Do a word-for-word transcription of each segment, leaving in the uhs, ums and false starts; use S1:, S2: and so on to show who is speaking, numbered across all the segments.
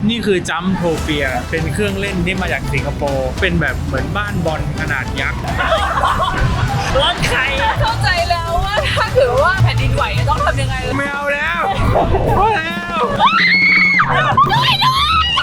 S1: นี่คือจัมโทเปียเป็นเครื่องเล่นที่มาจากสิงคโปร์เป็นแบบเหมือนบ้านบอลขนาดยักษ์รถใคร
S2: เข้าใจแล้วว่าถ้าถือว่าแผ่นดินไหวต้องทำยังไง
S1: ไม่เอาแล้วพอแล้ว
S2: ด้วยด้วย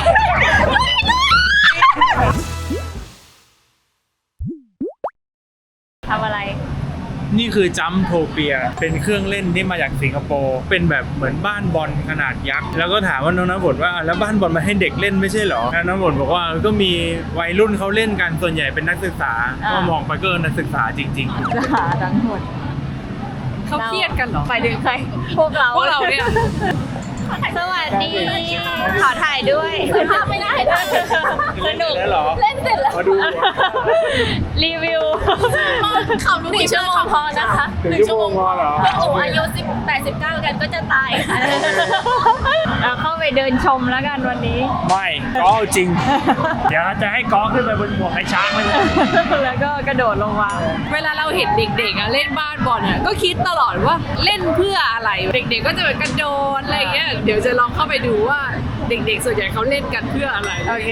S2: ทำอะไร
S1: นี่คือจัมโทเปียเป็นเครื่องเล่นที่มาจากสิงคโปร์เป็นแบบเหมือนบ้านบอลขนาดยักษ์แล้วก็ถามว่าน้องน้ำฝนว่าแล้วบ้านบอลมาให้เด็กเล่นไม่ใช่หรอน้องน้ำฝนบอกว่าก็มีวัยรุ่นเขาเล่นกันส่วนใหญ่เป็นนักศึกษาก็มองไปก็นักศึกษาจริงๆ
S2: ศึกษาทั้งหมดเขาเครียดกันเหรอไปถึงใครพวกเราพวกเราเนี่ยสวัสดีขอถ่ายด้วยภาพไม่ได้นะสนุกเล่นเสร็จแล้ว
S1: มาดู
S2: รีวิวเขาหนึ่งชั่วโมงพอนะคะ
S1: หนึ่งชั่วโมงพอเหรอ
S2: โอ้อายุสิบแปดสิบเก้ากันก็จะตายเราเข้าไปเดินชมแล้วกันวันนี้
S1: ไม่ก็จริงเดี๋ยวจะให้ก้อขึ้นไปบนหัวไอ้ช้างเลย
S2: แล้วก็กระโดดลงมาเวลาเราเห็นเด็กๆเล่นบ้านบอลเนี่ยก็คิดตลอดว่าเล่นเพื่ออะไรเด็กๆก็จะแบบกระโดดอะไรเงี้ยเดี๋ยวจะลองเข้าไปดูว่าเด็กๆส่วนใหญ่เขาเล่นกันเพื่ออะไรโอเค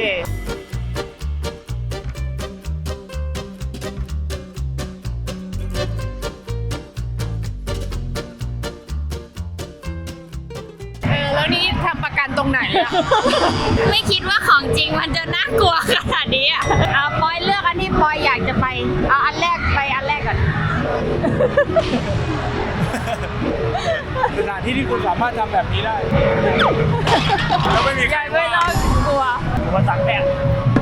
S2: แล้วนี่ทำประกันตรงไหนอะไม่คิดว่าของจริงมันจะน่ากลัวขนาดนี้อ่ะเอาปอยเลือกอันที่ปอยอยากจะไปเอาอันแรกไปอันแรกก่อน
S1: สถานที่ที่คุณสามารถทำแบบนี้ได้แล้วไม่มีใคร
S2: ไม่ต้องกลัว
S1: มาตักแดด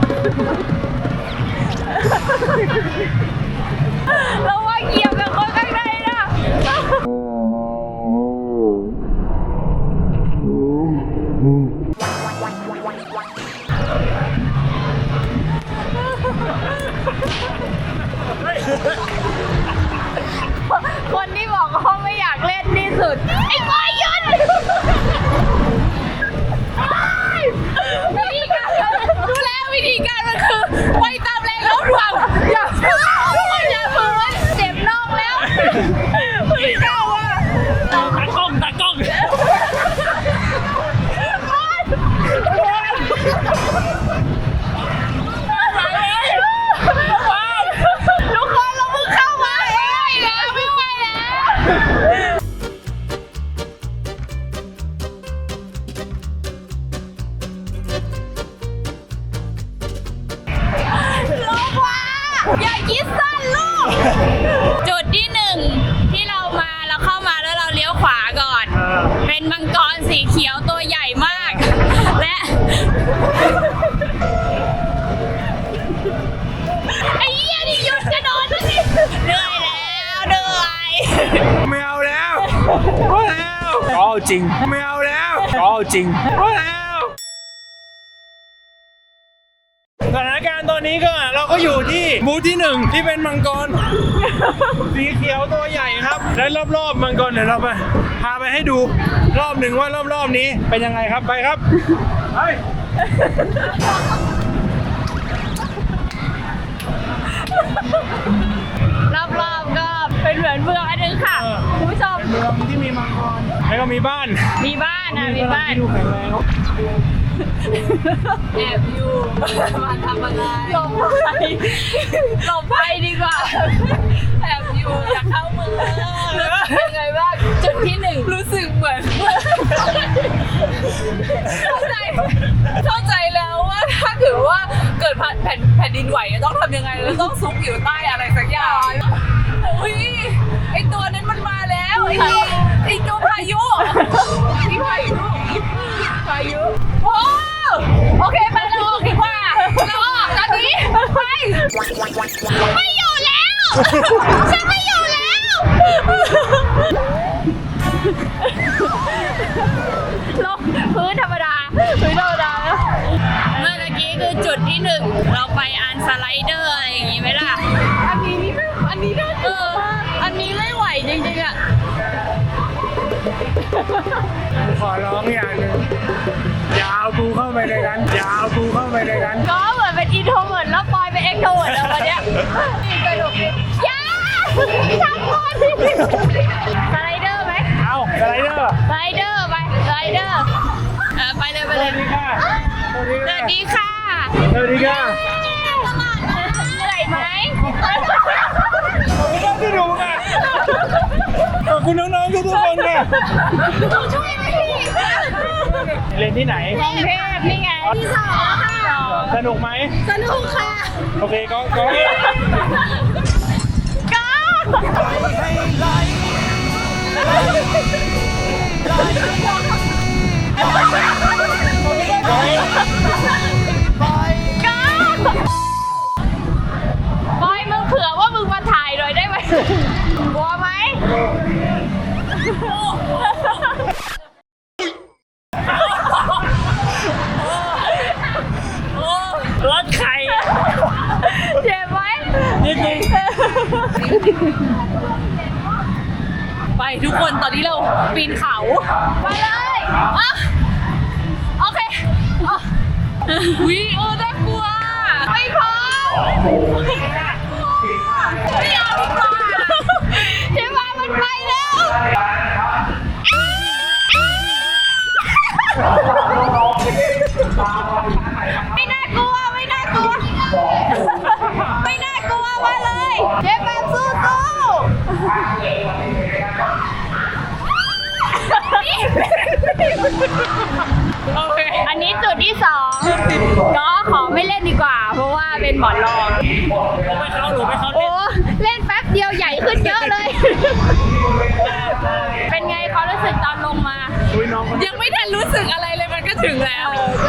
S2: เราว่าเกี่ยวกับคนข้างในนะคนที่บอกเขาไม่อยากเล่นที่สุดไอ้บอยยุนวิธีการดูแลวิธีการมันคือไปตามแรงโน้มถ่วงอย่าอย่าฝืนเจ็บน่องแล้วไม่กล้าว่ะ
S1: ตากล้องตากล้อง
S2: ทุกคนเราเพิ่งเข้ามาเองแล้วไม่ไหวแล้วอย่าคิดสั้นลูกจุดที่หนึ่งที่เรามาเราเข้ามาแล้วเราเลี้ยวขวาก่อนเป็นมังกรสีเขียวตัวใหญ่มากและไอ้เหี้ยนี่หยุดกระโดดแล้วสิเหนื่อยแล้วเหนื่อย
S1: ไม่เอาแล้วพอแล้วก็จริงไม่เอาแล้วก็จริงพอแล้วสถานการณ์ตอนนี้ก็เราก็อยู่ที่บูธที่หนึ่งที่เป็นมังกรสีเขียวตัวใหญ่ครับและรอบๆมังกรเดี๋ยวเราไปพาไปให้ดูรอบหนึ่งว่ารอบๆนี้เป็นยังไงครับไปครับไป
S2: รอบๆก็เป็นเหมือนเมืองอันนึงค่ะคุณผู้ชม
S1: เมืองที่มีมังกรแล้วก็มีบ้าน
S2: มีบ้านนะมีบ้าน
S1: ดูแข็งแรง
S2: แอบอยู่มาทำอะไรหลบภัยหลบภัยดีกว่าแอบอยู่อยากเข้าเมืองยังไงบ้างจุดที่หนึ่งรู้สึกเหมือนเข้าใจเข้าใจแล้วว่าถ้าถือว่าเกิดแผ่นแผ่นดินไหวต้องทำยังไงแล้วต้องซุกอยู่ใต้อะไรสักอย่างอุ้ยไอตัวนั้นมันมาแล้วไอไอตัวพายุพี่พายุพายุโอ้โอเคไปเราออกดีกว่าเราออกตอนนี้ไปไม่อยู่แล้วฉันไม่อยู่แล้วลงพื้นธรรมดาพื้นธรรมดาแล้วเมื่อกี้คือจุดที่หนึ่งเราไปอันสไลเดอร์อะไรอย่างงี้ไหมล่ะอันนี้นี่ไม่อันนี้น่าเอออันนี้ไม่ไหวจริงๆอ่ะ
S1: ขอร้องอย่างนึงอย่าเอากูเข้าไปในนั้นอย่าเอากูเข้าไปในนั้น
S2: ก็เหมือนเป็นอินโทรเวิร์ตแล้วปอยเป็นเอ็กโทรเวิร์ตแล้ววันเนี้ยนี่กระดูกนี่ย่าทำก่อนสไลเดอร์ไหม
S1: เอาสไลเดอร์
S2: สไลเดอร์ไปสไลเดอร์เออไปเลยไป
S1: ส
S2: เล
S1: วั
S2: ย
S1: สดีค่ะสวัสดี
S2: ส
S1: ค่ะ
S2: วัสดีค่ะ
S1: สวัสดีค่ะ
S2: เหนื่อยไหม
S1: ขอบคุณที่ดูค่ะขอบคุณน้องๆทุกคนค่ะ
S2: ช่วยไหม
S1: เรียนที่ไหน
S2: กรุงเทพนี่ไงที่สองค่ะ
S1: สนุกไหม
S2: สนุกค่ะ
S1: โอเคก็ก็
S2: ก็ก็บอยมึงเผื่อว่ามึงมาถ่ายหน่อยได้ไหมกลัวไหม
S1: รถไข่
S2: เจ็บไหม
S1: นิดนึง
S2: ไปทุกคนตอนนี้เราปีนเขาไปเลยอ่ะโอเคอ่ะวิเออน่ากลัวไม่พอไม่เอาดีกว่าเจ๊มามันไปแล้วไม่น่ากลัวไม่น่ากลัวไม่น่ากลัวมาเลยเจ๊แบบสู้สู้โอเคอันนี้จุดที่สองก็ขอไม่เล่นดีกว่า เพราะว่าเป็นหมอนรอง
S1: ผมไปเข้าหนูไปเข้า
S2: โอ้เล่นแป๊บเดียวใหญ่ขึ้นเยอะเลย เป็นไงความรู้สึกตอนลงมา
S1: อุ้ยน้อง
S2: ยังไม่ทันรู้สึกอะไรเลยมันก็ถึงแล้วใช่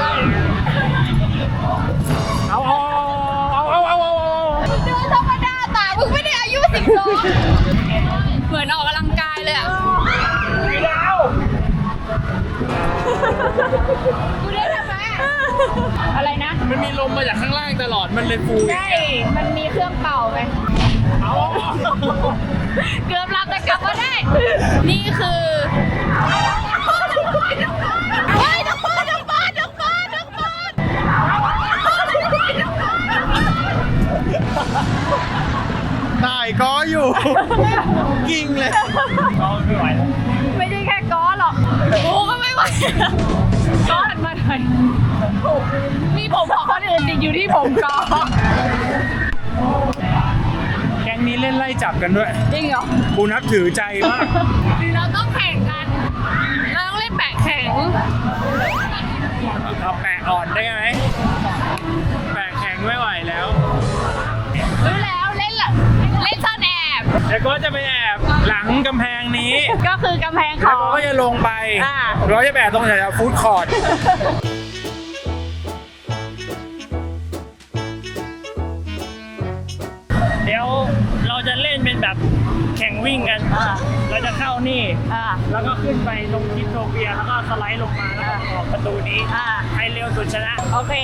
S1: เอาเอาเอาเอาเอาเอา
S2: เดินธรรมดาแต่มึงไม่ได้อายุสิบสองเหมือนออกกำลังกายเลยอ่ะ
S1: ไม่ได้เอา
S2: กูได้ทำไมอะไรนะ
S1: มันมีลมมาจากข้างล่างตลอดมันเลยฟู
S2: ใช่ มันมีเครื่องเป่าไหม
S1: เอา
S2: เกือบรับแต่กลับมาได้ นี่คือเฮ้ยนักบอลนักบอลนักบอลนักบอล
S1: ถ่ายก้ออยู่ กิ้งเลยก้อไม่ไหวแล้ว
S2: ไม่ใช่แค่ก้อหรอกกูก็ไม่ไหวก้อหันมาหน่อยมีผมของคนอื่นติดอยู่ที่ผมก้อ
S1: แก๊งนี้เล่นไล่จับกันด้วย
S2: จริงเหรอ
S1: กูนับถือใจมาก
S2: เราต้องแข่งกัน เราต้องเล่นแปะแข่ง
S1: เอาแปะอ่อนได้ไหมแปะแข็งไม่ไหวแล้ว
S2: รู้แล้วเล่นละเล่นซ่อนแอบ
S1: แล้วก็จะไปแอบหลังกำแพงนี้
S2: ก็คือกำแพงข
S1: แล้ว
S2: อง
S1: ก็จะลงไป
S2: อ่า
S1: เราจะแปะตรงแถวๆฟู้ดคอร์ท เดี๋ยวเราจะเล่นเป็นแบบแข่งวิ่งกัน เราจะเข้านี่
S2: อ่า
S1: แล้วก็ขึ้นไปลงคิปโตเปีย แล้วก็สไลด์ลงมาแล้วก็ออกประตูนี้
S2: อ่า
S1: ใครเร็วสุดชนะ
S2: โอเค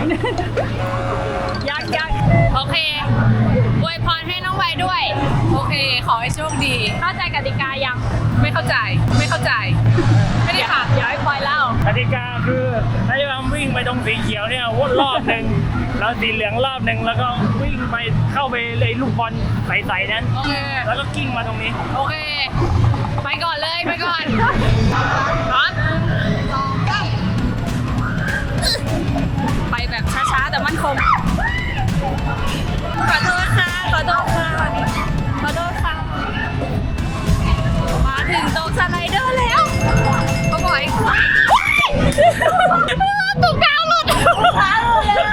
S2: ยักยักโอเคอวยพรให้น้องไว้ด้วย โอเค ขอให้โชคดี เข้าใจกติกายัง ไม่เข้าใจ ไม่เข้าใจ ไม่ได้ค่ะเดี๋ยวให้ปอยเล่าก
S1: ติกาคือให้ทำวิ่งไปตรงสีเขียวเนี่ยวนรอบหนึ่งแล้วสีเหลืองรอบหนึ่งแล้วก็วิ่งไปเข้าไปเลยลูกบอลใสๆนั้น
S2: โอเค
S1: แล้วก็กิ้งมาตรงนี้
S2: โอเค ไปก่อนเลย ไปก่อนพร้อมไปแบบช้าๆ แต่มั่นคง ขอโทษค่ะ ขอโทษค่ะ ขอโทษค่ะ มาถึงตรงสไลเดอร์แล้วเขาบอกให้ควายถุงเท้าหลุดถุงเท้าหลุดเลย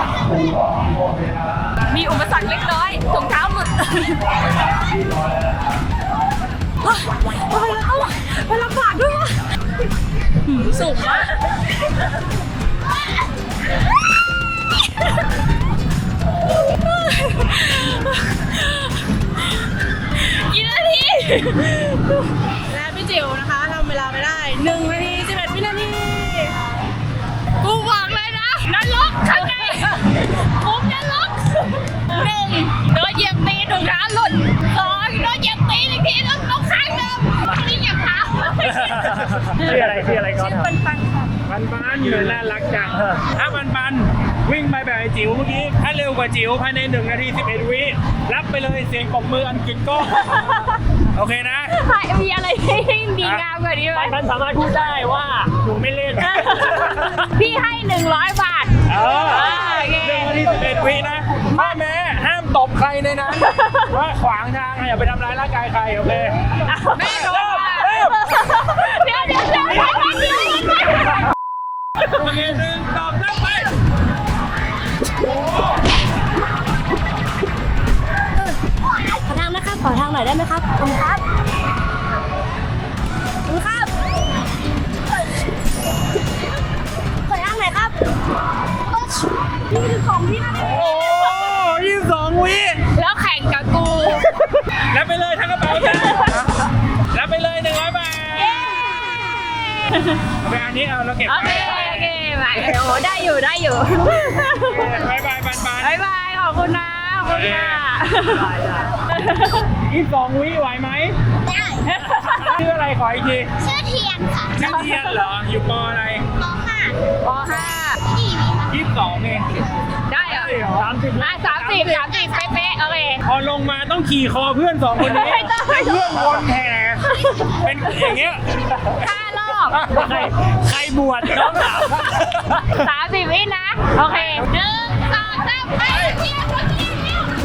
S2: มีอุปสรรคเล็กน้อยถุงเท้าหลุดไปลำบากด้วยวะสูงมากกี่นาที
S3: และพี่จิ๋วนะคะทำเวลาไม่ได้หนึ่งนาทีสิบเอ็ดวินาที
S2: กูบอกเลยนะนรกข้างในผมนรกหนึ่งโดนเหยียบตีถุงเท้าหลุดสองโดนเหยียบตีอีกทีต้องต้องข้างเดิมนี่เหยียบเท้า
S1: ชื่ออะไรชื่ออะไรก่อน
S2: ชื่อปันปันค่ะ
S1: ปันปันอยู่น่ารักจังถ้าปันปันวิ่งไปแบบไอ้จิ๋วเมื่อกี้ถ้าเร็วกว่าจิ๋วภายในหนึ่งนาทีสิบเอ็ดวิรับไปเลยเสียงปรบมืออันกึกก้องโอเคนะ
S3: มีอะไรให้ดีงามกว่านี้ไหม
S4: มันสามารถพูดได้ว่าหนูไม่เล่น
S3: พี่ให้หนึ่งร้อยบาท
S1: เออ
S3: โอเค
S1: เรื่องวันที่สิบเอ็ดวินะพ่อแม่ห้ามตบใครในนั้นว่าขวางทางอย่าไปทำร้ายร่างกายใครโอเค
S3: แม่รู้
S1: เริ่ม
S3: ว่า
S1: เริ่ม
S3: เดี๋ยวเดี๋ยวเดี๋ยวเดี๋ยวเดี๋ยว
S1: โอเคหนึ่งสองสามไป
S3: ขอทางนะครับ ขอทางหน่อยได้ไหมครับขอบคุณครับขอบคุณครับขอทางหน่อยครับนี่คือของที่น่า
S1: โอ้ยี่สิบสองวิ
S3: แล้วแข่งกับกู
S1: รับไปเลยทั้งกระเป๋าจ้ารับไปเลยหนึ่งร้อยบาทเอาไปอันนี้เอาเราเก็บ
S3: โอ
S1: ไว้
S3: เค โอเคมาโอ้โหได้อยู่ ได้อยู่
S1: บายบายบานบาน
S3: บายบาย ขอบคุณนะ ขอบคุณค่ะ
S1: ยี่สิบสองวิไหวไหม
S5: ได้
S1: ชื่ออะไรขออีกที
S5: ชื่อเทียนค่ะ
S1: ชื่อเทียนเหรอ อยู่ปออะไร
S5: ปห้า
S3: ปห้า
S5: พี่มีค่ะ
S1: ยี่สิบสองเอง
S3: ได้เหรอ
S1: ใช่เหรอ
S3: อ่ะสามสิบสามสิบเป๊ะๆโอเค
S1: พอลงมาต้องขี่คอเพื่อนสองคนนี้
S3: ไม่ต้อง
S1: ให้เพื่อนวนแห่เป็นอย่างเงี้ย
S3: ห้ารอบ
S1: ใครใครบวชน้องสาว
S3: สามสิบวินะ โอเคหนึ่งสองสามไปเทียบเทียบเทียบ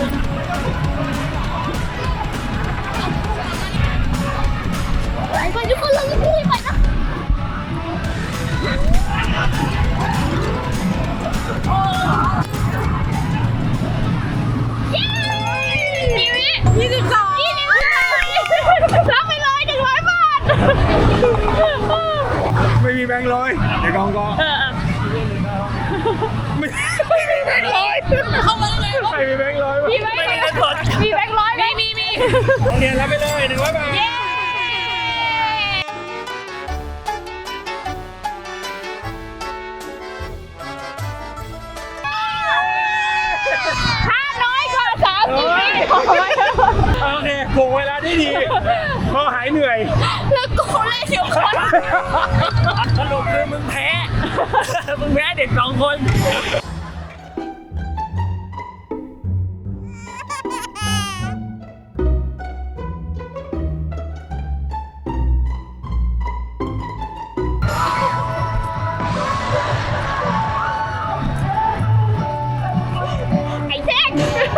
S5: ไปทุกคนลงที่ไปนะ
S3: กี่วิยี่สิบสองยี่สิบสองรับไปเลยหนึ่งร้อยบาท
S1: ไม่มีแบงค์ร้อยเดี๋ยวกองกองไม่ไม่มีแบงค์ร้อย
S3: เข้ามาเลย
S1: ไม่มีแบงค์ร้อย
S3: มีแบงค์ร้อยมีแบงค์ร้อยไหมมีมี
S1: โรงเรียนรับไปเลยหนึ่งร้อยบาท
S3: เย้ถ้าน้อยกว่าสามสิบวิ
S1: โอเคโกงเวลาได้ดีพอหายเหนื่อย
S3: แล้วกูเล่นอยู่คน
S4: สรุปคือมึงแพ้ มึงแพ้เด็กสองคน
S3: ไอ้เจ๊ก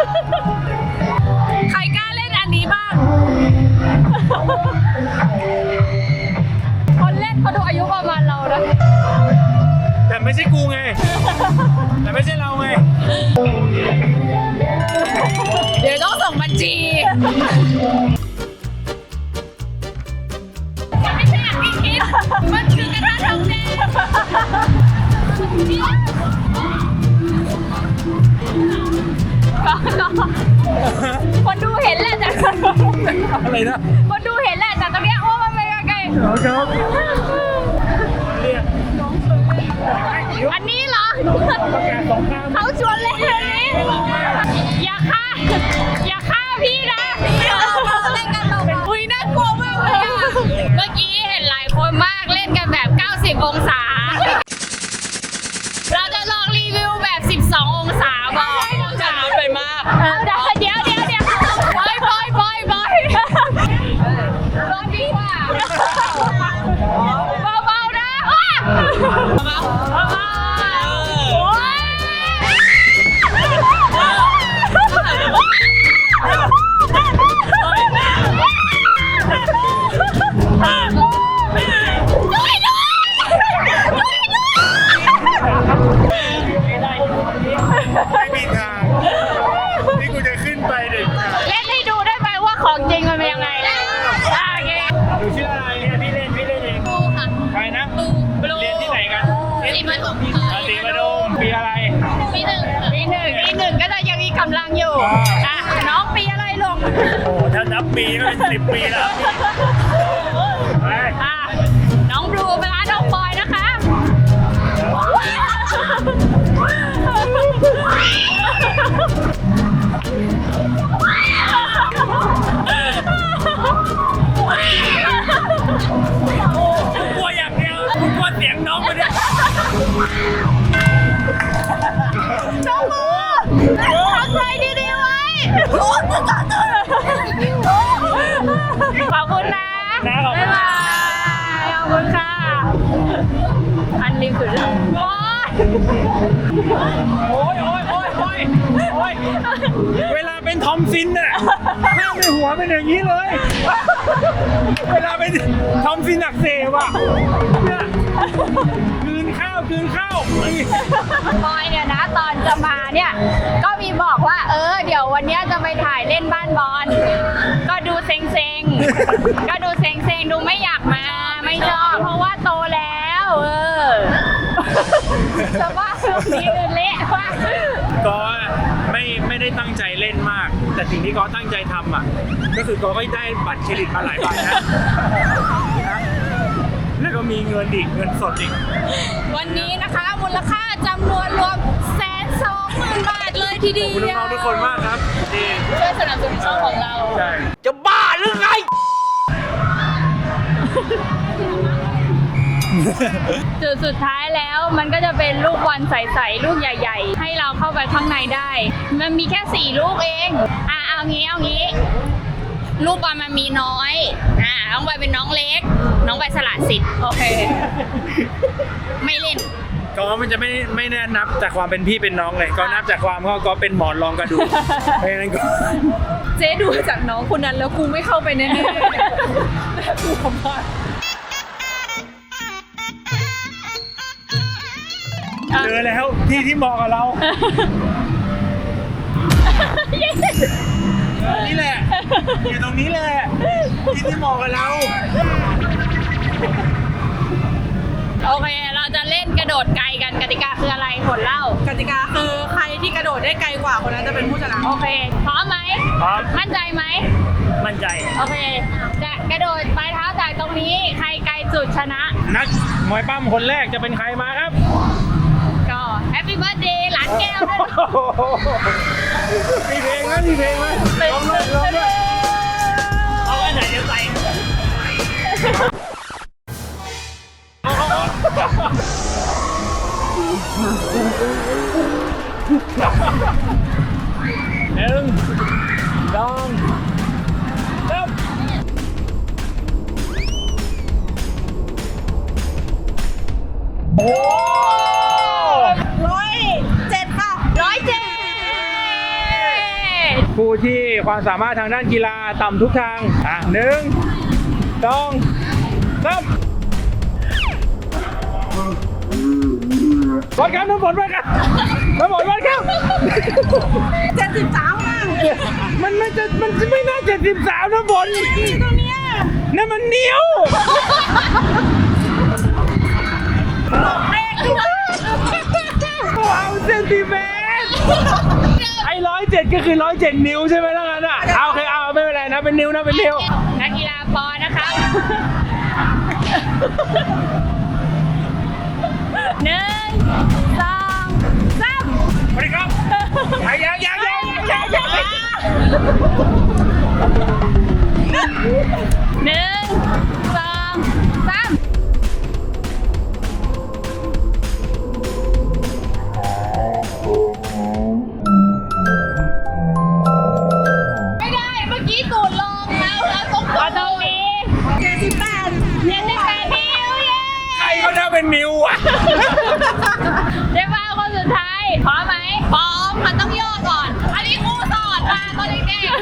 S3: ใครกล้าเล่นอันนี้บ้าง คนเล่นเขาดูอายุประมาณเรานะ
S1: แต่ไม่ใช่กูไง แต่ไม่ใช่เราไง
S3: เดี๋ยวต้องส่งบัญชีมันไม่ใช่อย่างที่คิด มันคือกระทะทองแดงคนดูเห็นแหละแต่
S1: อะไรนะ
S3: คนดูเห็นแหละแต่ตอนเนี้ยโอ้มันเป็นยังไง
S1: ครับ
S3: อันนี้เหรอ
S1: ประกาศสงคราม
S3: เขาชวนเล่นอันนี้ อย่าฆ่า อย่าฆ่าพี่นะเล่นกันเราอุ้ยน่ากลัวมากเลยอะเมื่อกี้เห็นหลายคนมากเล่นกันแบบ เก้าสิบ องศา เราจะลองรีวิวแบบ สิบสอง องศาบอกจะน้ำไปมาก เดี๋ยวเดี๋ยวเดี๋ยวเดี๋ยวบอยบอยบอยบอยลองดีกว่าเบาๆนะว้าเบาๆโอ้ยด้วยด้วยด้วยด้วย
S1: ไม่มีทางนี่กูจะขึ้นไปเด็กขาด
S3: เล่นให้ดูได้ไหมว่าของจริงมันเป็นยังไงอ่ะโอเค
S1: หนูชื่ออะไรเนี่ยพี่เล่นพี่เล่นเอง
S3: ดูค่ะ
S1: ใครนะ
S3: บลู
S1: เรียนที่ไหนกัน
S3: สีมันของ
S1: ราศีมะดมปีอะไร
S3: ปีหนึ่งปีหนึ่งปีหนึ่งก็จะยังมีกำลังอยู่อ่ะน้องปีอะไรลง
S1: โอ้ถ้านับปีก็เป็นสิบปีแล้วไป
S3: อ่ะน้องบลูเป็นร้านน้องบอยนะคะ
S4: กลัวอย่างเดียวกูกลัวเสียงน้องมันเนี่ย
S3: น้องบลูทำใจดีๆไว้โอ้ยริมสุดว้า
S1: โอ้ยโอ้ยโอ้ยโอ้ยโอ้ยเวลาเป็นทอมซินน่ะหน้าในหัวเป็นอย่างนี้เลย เวลาเป็นทอมซินอักเสบอ่ะเนี่ยกลืนข้าวกลืนข้าว
S3: บอยเนี่ยนะตอนจะมาเนี่ยก็มีบอกว่าเออเดี๋ยววันเนี้ยจะไปถ่ายเล่นบ้านบอลก็ดูเซ็งๆก็ดูเซ็งๆดูไม่อยากมาไม่ชอบเพราะว่าโตแล้วเออสภาพแบบนี้คือเละมาก
S1: ก็ไม่ไม่ได้ตั้งใจเล่นมาก แต่สิ่งที่ก็ตั้งใจทำอ่ะก็คือก็ได้บัตรเครดิตมาหลายใบนะแล้วก็มีเงินอีกเงินสดอีก
S3: วันนี้นะคะมูลค่าจำนวนรวมแสนสองหมื่นบาทเลยทีเดียว
S1: ขอบคุณน้องๆทุกคนมากครับที่
S3: ช่วยสนับสนุนช่องของเรา
S1: ใช่
S4: จะบ้าหรือไง
S3: จุดสุดท้ายแล้วมันก็จะเป็นลูกบอลใสๆลูกใหญ่ๆให้เราเข้าไปข้างในได้ มันมีแค่สี่ลูกเองอ่ะเอางี้เอางี้ลูกบอลมันมีน้อยอ่ะน้องใบเป็นน้องเล็ก น้องใบสละสิทธิ์โอเค ไม่เล่น
S1: ก็มันจะไม่ไม่แน่นับจากความเป็นพี่เป็นน้องเลย ก็นับจากความก็ก็เป็นหมอนรองกระดูกเพราะฉะนั้นก็
S2: เจ๊ดูจากน้องคนนั้นแล้วกูไม่เข้าไปแน่ๆน่ากลัวมาก
S1: เจอแล้วที่ที่เหมาะกับเรา นี่แหละอยู่ตรงนี้แหละที่ที่เหมาะกับเรา
S3: โอเคเราจะเล่นกระโดดไกลกันกติกาคืออะไรผลเล่าก
S2: ติกาคือใครที่กระโดดได้ไกลกว่าคนนั้นจะเป็นผู้ชนะ
S3: โอเคพร้อมไหม
S1: พร้อม
S3: มั่นใจไหม
S1: มั่นใจ
S3: โอเค จะกระโดดปลายเท้าจากตรงนี้ ใครไกลสุดชนะ
S1: นักมวยปั้มคนแรกจะเป็นใครมาครับ
S3: ก็แฮปปี้เบิร์ดเดย์หลานแก้วด้วยนะ
S1: มีเพลงไหมมีเพลงไหมลองด้วยลองด้วย
S4: เอาอันไหนจะใส่
S1: หนึ่งสองสามโอ้
S2: ร้อยเจ็ดค่ะ
S3: ร้อยเจ็ด
S1: ผู้ที่ความสามารถทางด้านกีฬาต่ำทุกทาง อ่ะหนึ่งสองสามวัดครับน้ำฝนวัดครับน้ำฝนวัดครับ
S2: เจ็ดสิบสามค่ะ
S1: มันไม่จะมันไม่น่าเจ็ดสิบสามน้ำฝน
S2: ตรงเนี้ย
S1: นั่นมันนิ้วว้าวเซนติเมตรไอ้ร้อยเจ็ดก็คือร้อยเจ็ดนิ้วใช่ไหมล่ะงั้นอ่ะเอาโอเคเอาไม่เป็นไรนะเป็นนิ้วนะเป็นนิ้ว
S3: นักกีฬาปอนะคะหนึ่งสองสาม
S1: สวัสดีครับยังยังยังยังยัง
S3: หนึ่งสองสามไม่ได้เมื่อกี้ตูดลงแล้วแล้วตรงตรงนี้
S2: เจ็ดสิบแปด
S3: เจ็ดสิบแปดนิ้วเย้
S1: ใครเขาจะเป็นนิ้วอ่ะ
S3: เจ๊ฟ้าคนสุดท้ายพร้อมไหมพร้อมมันต้องย่อก่อน อันนี้ครูสอนมาตอนเด็ก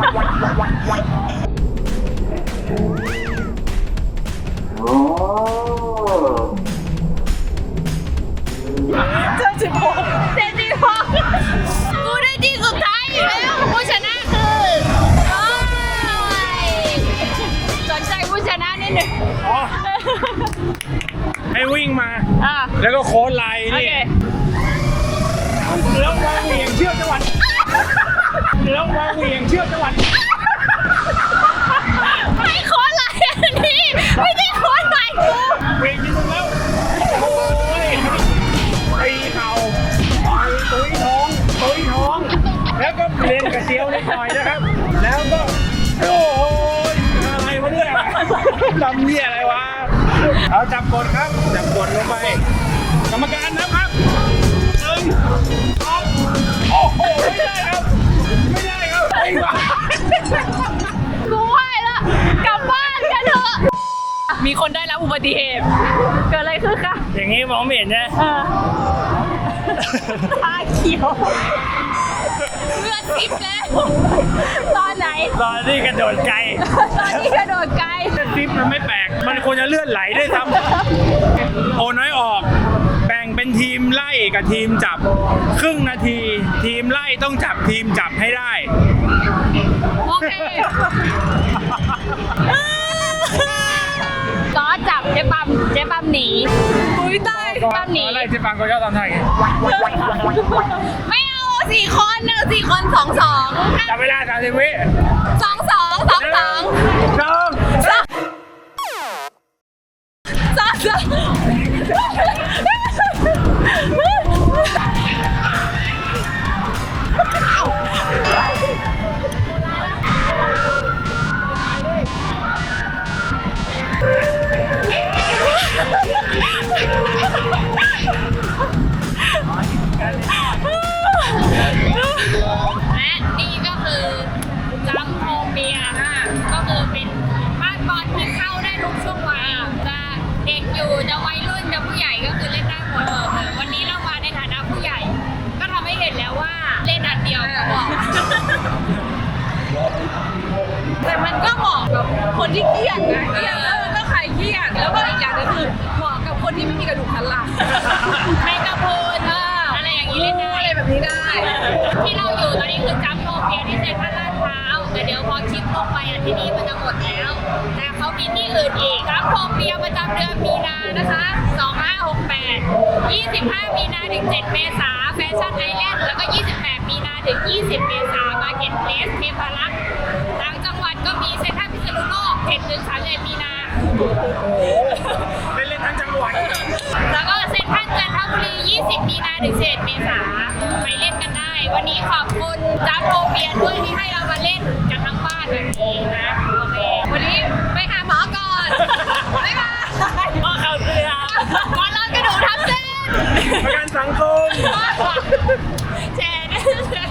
S3: ๆ
S2: เจ็ดสิบหก
S3: เจ็ดสิบหกกูได้ที่สุดท้ายอยู่แล้วผู้ชนะคือโอ้ยสนใจผู้ชนะนิดหนึ่ง
S1: อ๋อให้วิ่งมา
S3: อ่ะ
S1: แล้วก็โค้ดไลน์
S3: โอ
S1: นี่
S3: เค
S1: แล้ววางเหวี่ยงเชือกจังหวัดแล้ววางเหวี่ยงเชือกจังหวัด
S3: ไม่โค้ดไหลอันนี้ไม่ได้โค้ดไหลกู
S1: เหวี่ยงจริงๆแล้วโอ้ยตีเข่าต่อยตุ้ยท้องตุ้ยท้อง แล้วก็เล่นกระเจียวนิดหน่อยนะครับ แล้วก็โอ้ยอะไรวะเนี่ยลำเนี่ยอะไรวะเอาจับกดครับจับกดลงไปกรรมการนะครับหนึ่งสองโอ้โหไม่ได้ครับไม่ได้ครับไอ้บ้า
S3: กูไหวแล้วกลับบ้านกันเถอะมีคนได้รับอุบัติเหตุเกิดอะไรคือค่ะ
S4: อย่างงี้มองไม่เห็นนะ
S3: เออตาเขียวเลือดซิบแล้วตอนไหน
S4: ตอนที่กระโดดไกล
S3: ตอนที่กระโดดไกล
S1: คลิปมันไม่แปลก มันควรจะเลื่อนไหลด้วยซ้ำโอน้อยออก แบ่งเป็นทีมไล่กับทีมจับ ครึ่งนาที ทีมไล่ต้องจับทีมจับให้ได้
S3: โอเคก็จับเจ๊ปั๊มเจ๊ปั๊มหนี
S2: อุ้ยตาย
S3: เจ๊ปั๊มหนี
S1: อะไรที่ปังก็ชอบทำท่าอย่างงี้
S3: ไม่เอาสี่คนเอาสี่คนสองสอง
S1: จับเวลาสามสิบวิ
S3: สองสองสองสอง
S1: สอง
S3: สองสอง และนี่ก็คือจัมโฮเบียก็คือเป็นบ้านบอลที่เข้าได้ทุกช่วงวัยจะเด็กอยู่จะวัยรุ่นจะผู้ใหญ่ก็คือเล่นได้หมดเลยวันนี้เรามาในฐานะผู้ใหญ่ ก็ทำให้เห็นแล้วว่าเล่นอันเดียวก็พอ
S2: แต่มันก็เหมาะกับคนที่เครียดนะเครียดแล้วมันก็คลายเครียดแล้วก็อีกอย่างหนึงคือเหมาะกับคนที่ไม่มีกระดูกสันหลัง
S3: แมงกะพรุนอะไรอย่างนี้เล่นได้
S2: อะไรแบบนี้ได้
S3: ที่เราอยู่ตอนนี้คือจัมโฮเบียที่เซ็นทรัลลาดพร้าวแต่เดี๋ยวพอคลิปลงไปอ่ะที่นี่มันจะหมดแล้ว แต่เขามีที่อื่นอีกจัมโฮเบียประจำเดือนมีนานะคะสองห้าหกแปด ยี่สิบห้ามีนาถึงเจ็ดเมษาแฟชั่นไอแลนด์แล้วก็ยี่สิบแปดมีนาถึงยี่สิบเมษามาเก็ตเพลสเทพารักษ์ต่างจังหวัดก็มีเซ็นทรัลพิษณุโลกเจ็ดถึงสามสิบเอ็ดมีนา
S1: เป็นเล่นทั้งจังหวัด
S3: แล้วก็เซ็นทรัลจันทบุรี ยี่สิบ มีนาถึงสิบเอ็ดเมษาไปเล่นกันได้ วันนี้ขอบคุณจัมโฮเบียด้วยที่ให้เรามาเล่นกันทั้งบ้านแบบนี้นะโอเควันนี้ไปหาหมอก่อนบ๊ายบาย
S4: พ่อเขาเสือ
S3: ก่อนรอนกระดูกทับเส้น
S1: ประกันสังคม
S3: แชร์ด้วยแชร์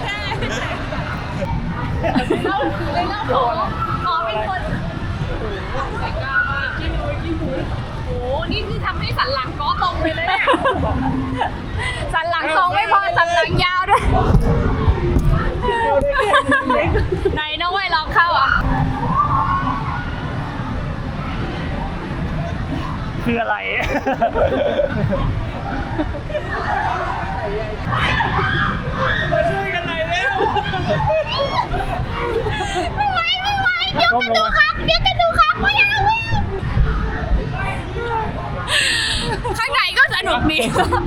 S3: เล่าเลยเล่าหมอหมอเป็นคนใจกล้ามากที่นู้นที่นู้นโอ้โหนี่คือทำให้สันหลังก้อตรงไปเลยเนี่ยสันหลังตรงไม่พอสันหลังยาวด้วยไหนน้องไว้ลองเข้าอ่ะ
S4: คืออะไร มาช่วยกันหน่อยเร็ว
S3: ไม่ไหวไม่ไหวเดี๋ยวกระดูกหักเดี๋ยวกระดูกหักไม่เอาข้างในก็สนุกดี